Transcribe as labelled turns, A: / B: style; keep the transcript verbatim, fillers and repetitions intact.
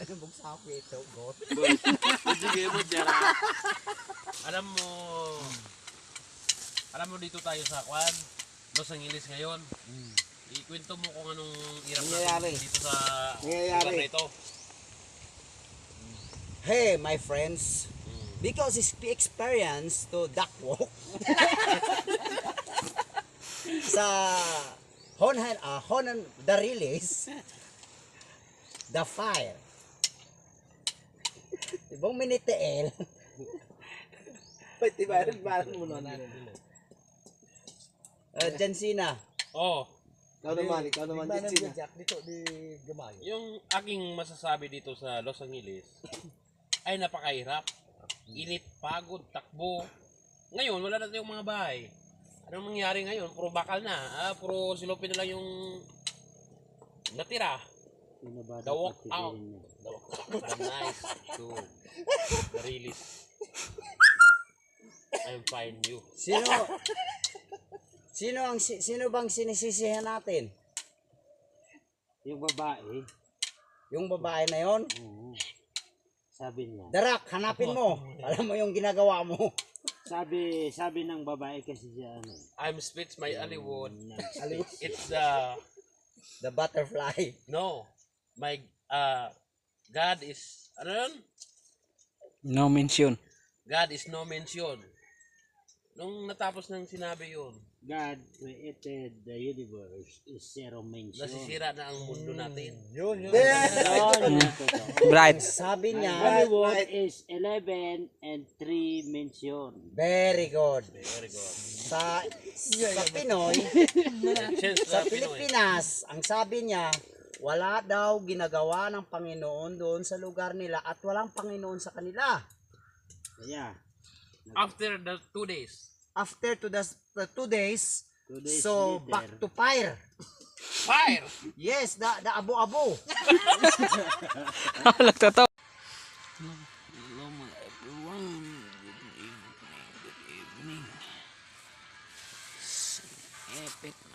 A: Nabog sa ako ito, God.
B: Sige mo dyan. Alam mo, alam mo dito tayo sa Kwan, Los Angeles ngayon. Hmm. Ikwento mo kung anong hirap natin dito sa lugar na ito.
A: Hey, my friends. Because it's experience to duck walk sa Honan, uh, Honan, the release, the fire. Ibang miniteel.
C: Pwede ba rin ba mo na?
A: Uh, Jensina.
B: Oh.
C: Ikaw naman, ikaw naman din sila.
A: Dito di Gamay.
B: Yung aking masasabi dito sa Los Angeles ay napakahirap. Init, pagod, takbo. Ngayon, wala na tayong mga bahay. Anong mangyari ngayon? Puro bakal na. Ah, puro silopin na lang yung natira. The walk out. The walk out. The nice to the release. I'm fine you.
A: Sino? Sino ang si- sino bang sinisisihan natin?
D: Yung babae,
A: Yung babae na yon?
D: oo, sabi niya.
A: Darak, hanapin mo. Alam mo yung ginagawa mo.
D: Sabi, sabi ng babae kasi siya ano.
B: I'm speech my Hollywood.
A: Alis.
B: It's the
A: The butterfly.
B: no. My uh God is ano yun?
E: No mention.
B: God is no mention. Nung natapos ng sinabi yun,
D: God created the universe is zero mention.
B: nasisira na ang mundo natin.
C: Yun, yun.
D: Yun, totoo.
E: Bright.
A: Sabi niya,
D: Hollywood is eleven and three mention.
A: very good.
B: Very good.
A: Sa sa Pinoy,
B: Change
A: sa
B: sa Pinoy.
A: Pilipinas, ang sabi niya, wala daw ginagawa ng Panginoon doon sa lugar nila at walang Panginoon sa kanila.
D: Kaya,
B: After the two days.
A: After to the the two days,
D: two days
A: so
D: later,
A: back to fire.
B: Fire!
A: Yes, the the abo-abo.
E: Nagtatawa.
B: Hello mga everyone. Good evening. Good evening. Epic